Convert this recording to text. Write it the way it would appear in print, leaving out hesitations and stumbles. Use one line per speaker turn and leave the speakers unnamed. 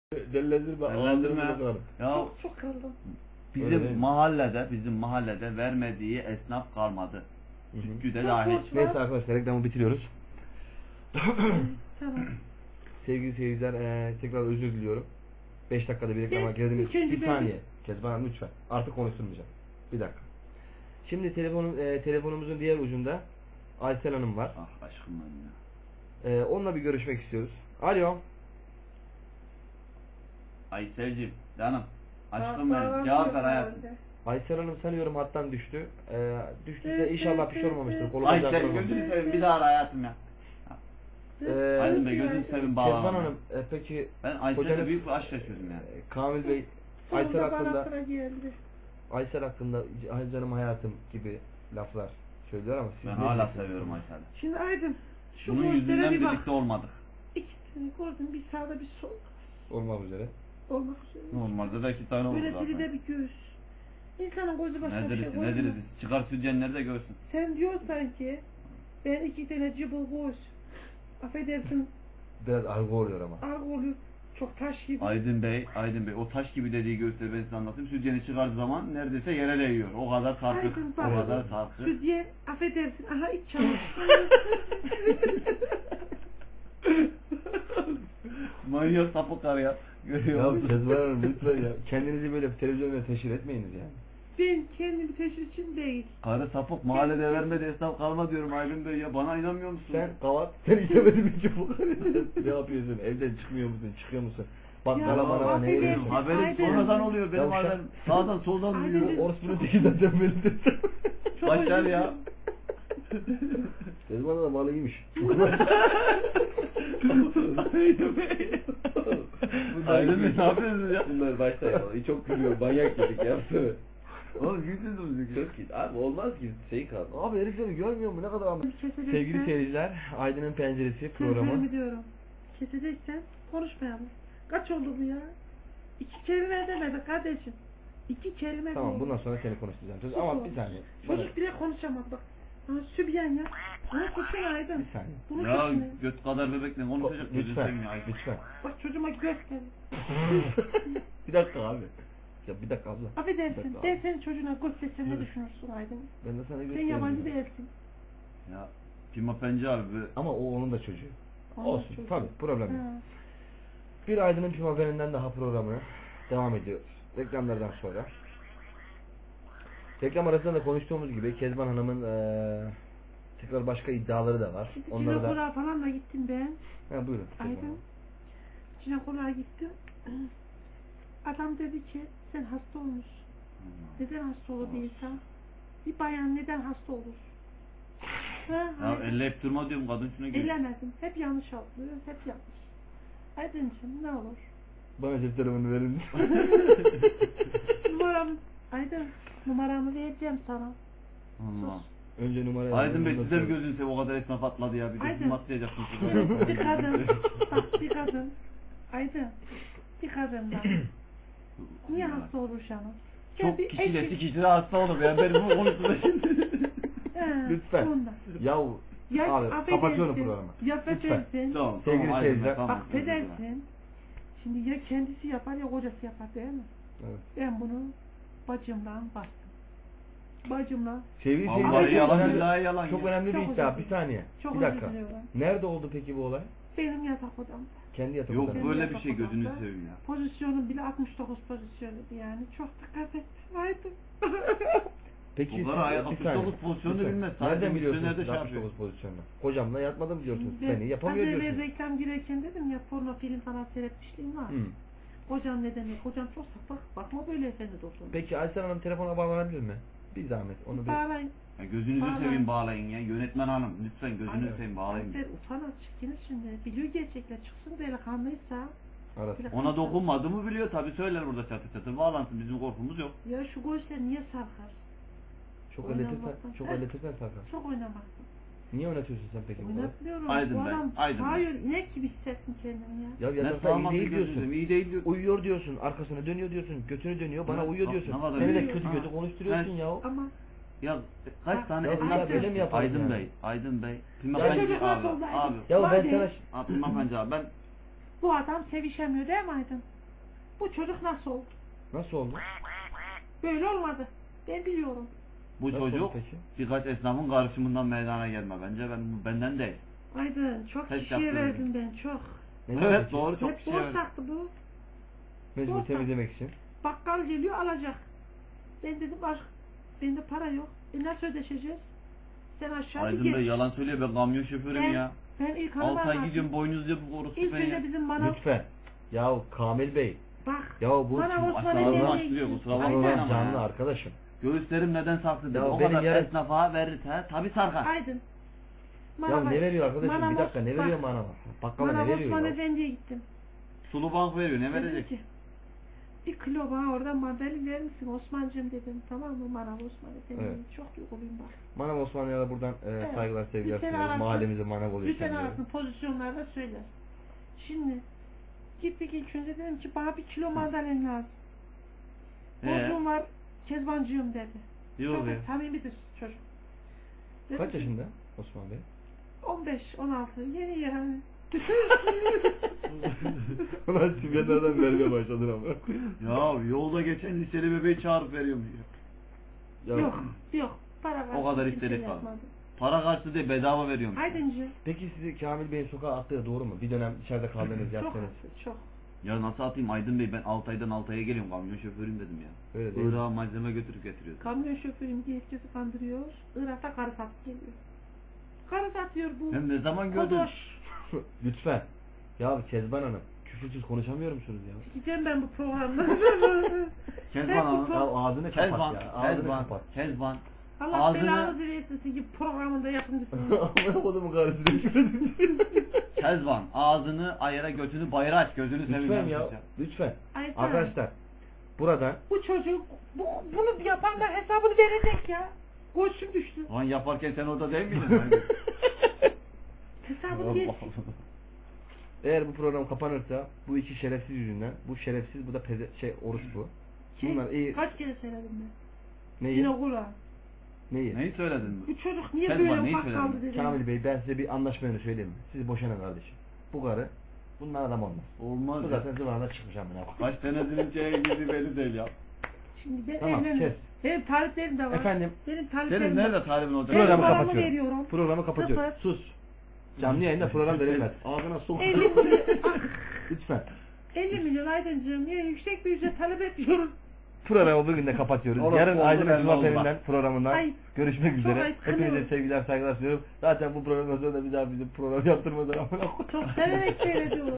Dellendirme.
Ya
Çok kaldım.
bizim mahallede vermediği esnaf kalmadı. Sütçüde dahil.
Neyse arkadaşlar reklamı bitiriyoruz.
Tamam.
Sevgili seyirciler tekrar özür diliyorum. 5 dakikada bir reklama girdiniz. Bir saniye. Kezban Hanım lütfen. Artık konuşturmayacağım. Bir dakika. Şimdi telefonumuzun diğer ucunda Aysel Hanım var.
Ah aşkım benim ya.
Onunla bir görüşmek istiyoruz. Alo.
Aysel'cim canım. Aşkım benim. Cevap ver hayatım.
Aysel Hanım sanıyorum hattan düştü. Düştüyse inşallah bir şey olmamıştır. Kolu bacağı
Aysel
kırılmamıştır.
gözünü seveyim bir daha ara hayatım ya. Aydın Bey gözünü seveyim bağlama.
Kezban Hanım peki
Ben Aysel'le büyük bir aşk yaşıyorum yani.
Kamil Bey
Aysel hakkında
canım hayatım gibi laflar söylüyor ama siz
Ben
ne
hala
diyorsunuz?
seviyorum Aysel'i.
Şimdi Aydın şu
Bunun yüzünden
göstere bir bak.
birlikte olmadık.
İkisini gördüm, bir sağda bir sol.
Olmak üzere.
Olmak üzere.
Normalde de 2 tane olur
Böyle biri
zaten.
de bir göğüs. İnsanın gözü başka bir şey
Nedir
koymuyor.
nedir? Çıkar sütyenleri de görsün.
Sen diyorsan ki ben 2 tane cıbıl göğüs. Affedersin
Biraz argo oluyor ama.
ağır oluyor. Çok taş gibi.
Aydın Bey o taş gibi dediği gösteri ben size anlatayım. Sütyeni çıkardığı zaman neredeyse yere değiyor. O kadar sarkık.
Aydın
O
bak.
kadar sarkık.
Sütye affedersin. Aha iç çamaşır.
Manyak sapık kar ya. Görüyor
Ya
musun?
Kezban Hanım lütfen ya. Kendinizi böyle televizyonda teşhir etmeyiniz yani.
Ben kendimi teşhir için değil.
Karı sapık mahallede vermedi esnaf kalma diyorum Aydın Bey ya. Bana inanmıyor musun?
Sen kavat, sen istemedin hiç bu. Ne yapıyorsun? Evden çıkmıyor musun? Çıkıyor musun? Bakkala
Ya,
bana ne
affedersin.
veriyorsun?
Haberim
Aydın.
sonradan oluyor. Benim
Ya
haberim sağdan soldan
Aydın.
duyuyor.
Orospu'nun teki zaten benim de.
Çok
Başlar
özür
ya.
dilerim.
Kezban da malı iyiymiş.
Aydın Bey ne yapıyorsunuz ya?
Bunlar başta ya. Çok gülüyor. Manyak yedik ya.
Oğlum gülsünüz
Çok iyi. Abi olmaz ki şey kaldı. Abi herifleri görmüyor mu? Ne kadar ama.
Keseceksen-
Sevgili seyirciler, Aydın'ın Penceresi programı.
Sözlerimi diyorum. Keseceksen konuşmayalım. Kaç oldu bu ya? 2 kelime demedi kardeşim. 2 kelime
Tamam
değil.
bundan sonra seni konuşturacağım. Söz
Sus
ama
oğlum.
bir saniye.
Çocuk bile konuşamaz bak. Ha, Sübyan ya. Bunu tutun Aydın.
Bir saniye.
Bunu
Ya
tutun.
göt kadar bebekle konuşacak gözünü
Lütfen.
seveyim ya.
Lütfen.
Bak çocuğuma göster.
Bir dakika abi. Ya bir dakika abla. Bir
Affedersin.
dakika
Ben
abi.
senin çocuğuna göstersem ne düşünürsün Aydın?
Ben de sana
Sen
göstereyim.
yabancı değilsin.
Ya Pima Penci abi.
Ama o onun da çocuğu.
Onun
Olsun.
çocuğu.
Tabii problem yok.
Ha.
Bir Aydın'ın Pima Haberinden daha programı devam ediyoruz. Reklamlardan sonra. Reklam arasında da konuştuğumuz gibi Kezban Hanım'ın tekrar başka iddiaları da var.
Şimdi
Onları da...
jinekoloğa falan da gittim ben.
Ha, buyurun. Kezban
Aydın.
Hanım.
Jinekoloğa gittim. Adam dedi ki sen hasta olmuşsun. Neden hasta olur bir insan? Bir bayan neden hasta olur? Ha,
Ya
Aydın.
elleyip durma diyorum kadın şuna geliyor.
Ellemedim. Hep yanlış atlıyor. Hep yanlış. Aydıncığım ne olur?
Bana cep telefonu verin.
Numaramı Aydın numaramı vereceğim sana.
Allah.
Önce numarayı
Aydın Bey
alın,
size bir
ondan
gözünü seveyim o kadar esnaf atladı ya. Bir de
Aydın.
kim atlayacaksın size?
Bir kadın. Bak bir kadın. Aydın. Bir kadın bak. Niye hasta olur canım?
Çok kişiyle kişiyle hasta olur ya. Ben bunu konuştum şimdi.
Lütfen. Yahu
Ya
abi kapatıyorum
affedersin.
programı.
Ya
Lütfen.
affedersin.
Tamam
Sevgili
tamam Aydın
seyirciler,
Bey, tamam.
Affedersin. Şimdi ya kendisi yapar ya kocası yapar değil mi?
Evet.
Ben bunu bacımla bastım. Bacımla
Sevgili
Vallahi
seyirciler,
yalan,
çok önemli-
billahi yalan
Çok
ya.
önemli
Çok
bir iddia.
özür
Bir saniye.
çok
Bir
özür
dakika.
diliyorum.
Nerede oldu peki bu olay?
Benim yatak odamda.
Kendi yatak
Yok
odasında.
böyle bir şey gözünü seveyim ya.
Pozisyonum bile 69 pozisyonuydu yani. Çok dikkat ettim. Aydın.
Peki
Bunlara ayak
bir
69
saniye,
pozisyonunu
lütfen.
bilmez. Sadece
Nereden biliyorsunuz
misyonerde
siz
şey
69
yapıyor.
pozisyonunu? Kocamla yatmadım diyorsunuz.
Ben
Seni yapamıyor
az evvel
diyorsunuz.
reklam girerken dedim ya porno film falan seyretmişliğim var.
Hı.
Hocam ne demek? Hocam çok sapık. Bakma böyle efendi dostum.
Peki Aysel Hanım telefona bağlanabilir mi? Bir zahmet. Onu bir...
Bağlayın.
Ya gözünüzü
Bağlayın.
seveyim bağlayın ya. Yönetmen hanım lütfen gözünü
Ay,
seveyim bağlayın.
Sen utan çıkın şimdi. Biliyor gerçekler çıksın delikanlıysa.
Arasın.
Ona dokunmadı mı biliyor tabi söyler burada çatır çatır bağlansın bizim korkumuz yok.
Ya şu göğüsler niye sarkar?
Çok
Oynamaktan.
elletirsen, çok
Heh.
elletirsen Serkan.
Çok oynamaktan.
Niye oynatıyorsun sen peki bu kadar?
Oynatmıyorum.
Aydın
Bu
Bey,
adam
Aydın Bey.
hayır inek gibi hissettim kendimi ya.
Ya
Ne
yatakta iyi
sağlaması
değil
gözünü
diyorsun.
seveyim iyi değil diyor.
Uyuyor diyorsun, arkasına dönüyor diyorsun, götünü dönüyor, bana
Ya,
uyuyor
bak,
diyorsun.
ne kadar
Seni de
iyi.
kötü
Ha.
kötü konuşturuyorsun
Ben-
ya.
Ama
Ya kaç tane
Ya
esnaf
illa böyle
mi yapalım
Aydın
yani?
Bey, Aydın Bey.
Ya
Pimapenci
çocuk
abi,
nasıl oldu?
abi.
Ya ben
Hadi.
sana...
Abi Pimapenci abi ben
bu adam sevişemiyor değil mi Aydın? Bu çocuk nasıl oldu?
Nasıl oldu?
Böyle olmadı. Ben biliyorum.
Bu
Nasıl
çocuk
oldu peki?
birkaç esnafın karışımından meydana gelme. Bence benden değil.
Aydın çok
Test
kişiye
yaptırdım.
verdim ben çok.
Neden
Evet
peki?
doğru çok
Hep
kişi
borç
öyle.
taktı bu.
Mecbur
Borç
temizlemek için.
Bakkal geliyor alacak. Ben dedim aşk bende para yok. Nasıl ödeşeceğiz? Sen aşağı bir
Aydın Bey
geç.
yalan söylüyor, ben kamyon şoförüm ya.
Ben ilk
6 ay
anlamadım.
gidiyorum boynuz diye bu korusu
İlk
ben
önce
ya.
bizim manav
Lütfen. Yahu Kamil Bey.
bak.
Ya bu
Manav
şimdi
Osman
aşağıdan
Efendi'ye
başlıyor,
gittim.
kusura bakmayın
Aydın.
ama
canlı
ya.
arkadaşım.
Göğüslerim neden saklı dedi.
Ya
O
benim
kadar
yarın-
esnafa verirse tabi sarkar.
Aydın.
Ya ne veriyor arkadaşım?
Manav-
Bir dakika ne veriyor
bak,
manava? Bakkala ne
Manav
veriyor
Osman
ya?
Efendi'ye gittim.
Sulu bank veriyor, ne
Dedim
verecek?
ki, bir kilo bana oradan mandalin verir misin Osman'cığım dedim. Tamam mı Manav Osman Efendi?
Evet.
Çok duyguluyum bak.
Manav Osmanlı'ya da buradan
Evet.
saygılar sevgiler
Lütfen
sunuyoruz.
arasın.
Mahallemize manav oluyor
Lütfen
kendileri.
arasın pozisyonlarda söyler. Şimdi gittik ilk önce dedim ki bana bir kilo mandalin lazım. Borcum var Kezbancığım dedi.
Yok
Çok
ya.
samimidir çocuk. Dedim
Kaç
ki,
yaşında Osman Bey?
15-16 yeni yani.
Ulan simgelerden vermeye başladın ama.
Ya yolda geçen liseli bebeği çağırıp veriyorum diyor.
Ya,
Yok para
O kadar
kimse
istedik var.
yapmadı.
Para karşılığı değil, bedava veriyorum.
Aydıncı.
Peki sizi Kamil Bey'in sokağa attığı doğru mu? Bir dönem içeride kaldınız,
Çok
yattınız.
çok.
Ya nasıl atayım Aydın Bey, ben Altay'dan Altay'a geliyorum, kamyon şoförüyüm dedim ya.
Öyle değil mi?
Irak'a malzeme götürüp getiriyoruz.
Kamyon şoförüm diye herkesi kandırıyor. Irak'ta karı satıp geliyor. Karı satıyor bu.
Hem ne zaman gördün?
Kodoş.
Lütfen. Ya Kezban Hanım, küfürsüz konuşamıyor musunuz ya?
Gideceğim ben bu programda.
Kezban
Ben bu
Hanım.
Ya ağzını kapat
Kezban,
ya. Ağzını
Kezban,
kapat.
Kezban.
Allah
Ağzını-
belanı versin gibi programında yapımcısın.
Amına kodumun karısı dedim.
Kezban, ağzını ayıra götünü bayıra aç, gözünü seveyim.
Lütfen
ben
ya.
size.
Lütfen.
Ay, tamam.
Arkadaşlar buradan
Bu çocuk bunu yapanlar hesabını verecek ya. Koşum düştü.
Lan yaparken sen orada değil miydin?
Hesabını ver.
eğer bu program kapanırsa bu iki şerefsiz yüzünden, bu şerefsiz, bu da oruç bu. Bunlar iyi.
Kaç kere söyledim ben.
Neyi?
Yine kula.
Neyi?
Neyi söyledin?
Bu çocuk niye
Kezban,
böyle
neyi
ufak kaldı
söyledin?
dedim.
Kamil Bey, ben size bir anlaşmayı söyleyeyim mi? Siz boşanın kardeşim. Bu karı bundan adam olmaz.
Olmaz
Bu
ya.
zaten zıvana çıkmış amına.
Kaç senedir şeye girdi belli değil ya.
Şimdi ben
Tamam,
evlenirim. Benim taliplerim de var.
Efendim?
Benim taliplerim
Senin
de
nerede talibin olacak?
Ben
Programı
paramı
kapatıyorum.
veriyorum.
Programı kapatıyorum.
Sıfır.
Sus. Canlı yayında program verilmez. Ağzına sok.
50 milyon,
Lütfen.
50 milyon Aydıncığım niye yüksek bir ücret talep ediyoruz?
Programı bugün de kapatıyoruz.
Orası
Yarın
oldu,
Aydın
belli oldu
Cuma'nın
bak.
programından
Ay,
görüşmek
çok
üzere.
ayıp,
Hepinize
kınıyorum.
sevgiler, saygılar sunuyorum. Zaten bu programdan sonra da bir daha bizim program yaptırmadan amına koyayım.
Çok severek seyrediyorum.